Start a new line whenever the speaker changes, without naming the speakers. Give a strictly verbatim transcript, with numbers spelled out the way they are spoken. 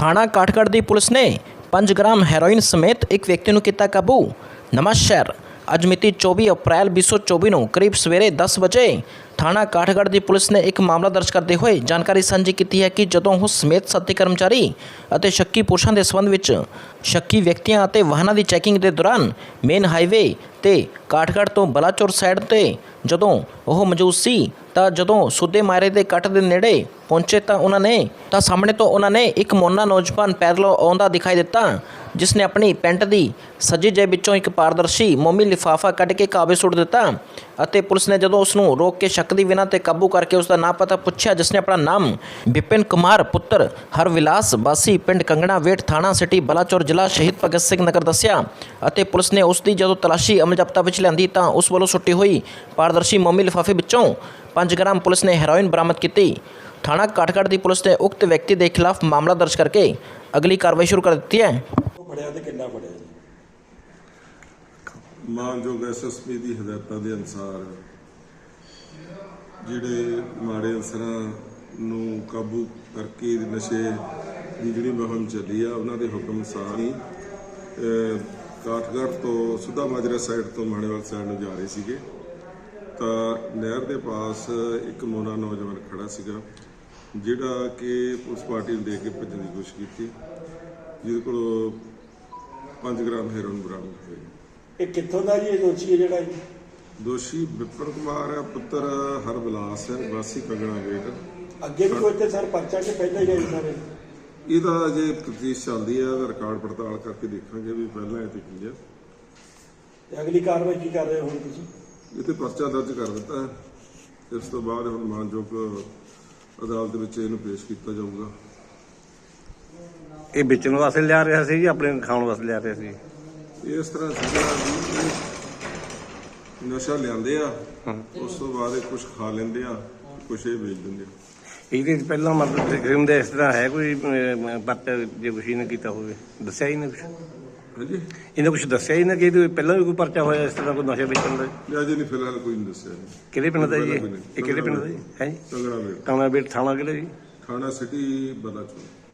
थाणा काठगढ़ की पुलिस ने पाँच ग्राम हैरोइन समेत एक व्यक्ति ਨੂੰ ਕੀਤਾ ਕਾਬੂ। नवां शहर ਅੱਜ ਮਿਤੀ चौबीस अप्रैल बीस सौ चौबीस ਨੂੰ ਕਰੀਬ ਸਵੇਰੇ दस ਵਜੇ थाणा काठगढ़ की पुलिस ने एक मामला दर्ज करते हुए जानकारी ਸਾਂਝੀ ਕੀਤੀ ਹੈ ਕਿ ਜਦੋਂ ਉਹ ਸਮੇਤ ਸਾਥੀ ਕਰਮਚਾਰੀ ਅਤੇ ਸ਼ੱਕੀ ਪੁਰਸ਼ਾਂ ਦੇ ਸੰਬੰਧ ਵਿੱਚ ਸ਼ੱਕੀ ਵਿਅਕਤੀਆਂ ਅਤੇ ਵਾਹਨਾਂ ਦੀ ਚੈਕਿੰਗ ਦੇ ਦੌਰਾਨ ਮੇਨ ਹਾਈਵੇ ਤੇ ਕਾਠਗੜ੍ਹ ਤੋਂ ਬਲਾਚੌਰ ਸਾਈਡ ਤੇ ਜਦੋਂ ਉਹ ਮੌਜੂਦ ਸੀ ਤਾਂ ਜਦੋਂ ਸੁੱਦੇ ਮਾਰੇ ਦੇ ਕੱਟ ਦੇ ਨੇੜੇ ਪਹੁੰਚੇ ਤਾਂ ਉਹਨਾਂ ਨੇ ਤਾਂ ਸਾਹਮਣੇ ਤੋਂ ਉਹਨਾਂ ਨੇ ਇੱਕ ਮੋਨਾ ਨੌਜਵਾਨ ਪੈਦਲ ਆਉਂਦਾ ਦਿਖਾਈ ਦਿੱਤਾ, ਜਿਸ ਨੇ ਆਪਣੀ ਪੈਂਟ ਦੀ ਸੱਜੀ ਜੇਬ ਵਿੱਚੋਂ ਇੱਕ ਪਾਰਦਰਸ਼ੀ ਮੋਮੀ ਲਿਫਾਫਾ ਕੱਢ ਕੇ ਕਾਬੇ ਸੁੱਟ ਦਿੱਤਾ ਅਤੇ ਪੁਲਿਸ ਨੇ ਜਦੋਂ ਉਸ ਨੂੰ ਰੋਕ ਕੇ ਸ਼ੱਕ ਦੀ ਬਿਨਾਂ ਤੇ ਕਾਬੂ ਕਰਕੇ ਉਸ ਦਾ ਨਾਂ ਪਤਾ ਪੁੱਛਿਆ, ਜਿਸ ਨੇ ਆਪਣਾ ਨਾਮ ਵਿਪਿਨ ਕੁਮਾਰ ਪੁੱਤਰ ਹਰਵਿਲਾਸ ਵਾਸੀ ਪਿੰਡ ਕੰਗਣਾ ਵੇਟ ਥਾਣਾ ਸਿਟੀ ਬਲਾਚੌਰ ਜ਼ਿਲ੍ਹਾ ਸ਼ਹੀਦ ਭਗਤ ਸਿੰਘ ਨਗਰ ਦੱਸਿਆ ਅਤੇ ਪੁਲਿਸ ਨੇ ਉਸ ਦੀ ਜਦੋਂ ਤਲਾਸ਼ੀ ਅਮਲ ਜ਼ਬਤਾ ਵਿੱਚ ਲਿਆਂਦੀ ਤਾਂ ਉਸ ਵੱਲੋਂ ਸੁੱਟੀ ਹੋਈ ਪਾਰਦਰਸ਼ੀ ਮੋਮੀ ਲਿਫਾਫੇ ਵਿੱਚੋਂ पाँच ग्राम पुलिस ने हेरोइन बरामद की। थाना काठगढ़ की पुलिस ने उक्त व्यक्ति के खिलाफ मामला दर्ज करके अगली कार्रवाई शुरू कर दी है।
मानयोग एस एस पी की हदायतों के अनुसार जिहड़े माड़े अंसरां नूं काबू करके नशे की जिहड़ी मुहिम चली आ उन्हां दे हुक्म अनुसार ही काठगढ़ तो सुधा माजरा साइड तो माणेवाल साइड नूं जा रहे सीगे ਤਾਂ ਨਹਿਰ ਦੇ ਪਾਸ ਇੱਕ ਮੋਨਾ ਨੌਜਵਾਨ ਖੜਾ ਸੀਗਾ ਜਿਹੜਾ ਕਿ ਪੁਲਿਸ ਪਾਰਟੀ ਨੂੰ ਦੇਖ ਕੇ ਭੱਜਣ ਦੀ ਕੋਸ਼ਿਸ਼ ਕੀਤੀ, ਜਿਹਦੇ ਕੋਲ ਪੰਜ ਗ੍ਰਾਮ ਹੈਰੋਇਨ ਬਰਾਮਦ ਹੋਈ।
ਇਹ ਕਿੱਥੋਂ ਦਾ ਜੀ ਇਹ ਦੋਸ਼ੀ ਹੈ ਜਿਹੜਾ ਜੀ?
ਦੋਸ਼ੀ ਵਿਪਨ ਕੁਮਾਰ ਹੈ, ਪੁੱਤਰ ਹਰਵਿਲਾਸ ਹੈ, ਵਾਸੀ ਕੰਗਣਾ ਵੇਟ।
ਅੱਗੇ ਵੀ ਕੋਈ ਤੇ ਸਰ ਪਰਚਾ ਕਿ ਪਹਿਲਾਂ ਹੀ ਗਏ ਸਾਰੇ?
ਇਹਦਾ ਅਜੇ ਤਫਤੀਸ਼ ਚੱਲਦੀ ਹੈ, ਇਹਦਾ ਰਿਕਾਰਡ ਪੜਤਾਲ ਕਰਕੇ ਦੇਖਾਂਗੇ ਵੀ ਪਹਿਲਾਂ ਇਹ ਤੇ ਕੀ ਹੈ
ਤੇ ਅਗਲੀ ਕਾਰਵਾਈ ਕੀ ਕਰ ਰਹੇ ਹੋ ਹੁਣ ਤੁਸੀਂ?
ਇਹ ਤੇ ਪਰਚਾ ਦਰਜ ਕਰ ਦਿੱਤਾ ਹੈ। ਇਸ ਤੋਂ ਬਾਅਦ ਹੁਣ ਮਾਨਯੋਗ ਅਦਾਲਤ ਵਿੱਚ ਇਹਨੂੰ ਪੇਸ਼ ਕੀਤਾ ਜਾਊਗਾ।
ਇਹ ਵੇਚਣ ਵਾਸਤੇ ਲਿਆ ਰਿਹਾ ਸੀ ਜਾਂ ਆਪਣੇ ਖਾਣ ਵਾਸਤੇ ਲਿਆ ਰਿਹਾ ਸੀ?
ਇਸ ਤਰ੍ਹਾਂ ਸੀਗਾ ਵੀ ਨਸ਼ਾ ਲਿਆਂਦੇ ਆ, ਉਸ ਤੋਂ ਬਾਅਦ ਇਹ ਕੁਝ ਖਾ ਲੈਂਦੇ ਆ, ਕੁਝ ਇਹ ਵੇਚ ਦਿੰਦੇ ਆ।
ਇਹਦੇ ਪਹਿਲਾਂ ਮਤਲਬ ਕ੍ਰਿਮ ਦਾ ਇਸ ਤਰ੍ਹਾਂ ਹੈ ਕੋਈ ਪਰਚਾ ਜੇ ਕੁਛ ਇਹਨੇ ਕੀਤਾ ਹੋਵੇ? ਦੱਸਿਆ ਹੀ ਨਾ ਕੁਛ?
ਹਾਂਜੀ,
ਇਹਨੇ ਕੁਛ ਦੱਸਿਆ ਹੀ ਨਾ ਕਿ ਇਹਦੇ ਪਹਿਲਾਂ ਵੀ ਕੋਈ ਪਰਚਾ ਹੋਇਆ ਇਸ ਤਰ੍ਹਾਂ ਕੋਈ ਨਸ਼ਾ ਵੇਚਣ ਦਾ?
ਅਜੇ ਨਹੀਂ, ਫਿਲਹਾਲ ਕੋਈ ਨਹੀਂ ਦੱਸਿਆ।
ਕਿਹੜੇ ਪਿੰਡ ਦਾ ਜੀ ਇਹ? ਕਿਹੜੇ ਪਿੰਡ ਦਾ ਜੀ ਹੈ ਜੀ?
ਕੰਗਣਾ ਵੇਟ।
ਕੰਗਣਾ ਵੇਟ ਥਾਣਾ ਕਿਹੜਾ ਜੀ?
ਥਾਣਾ ਸਿਟੀ ਬਲਾਚੌਰ।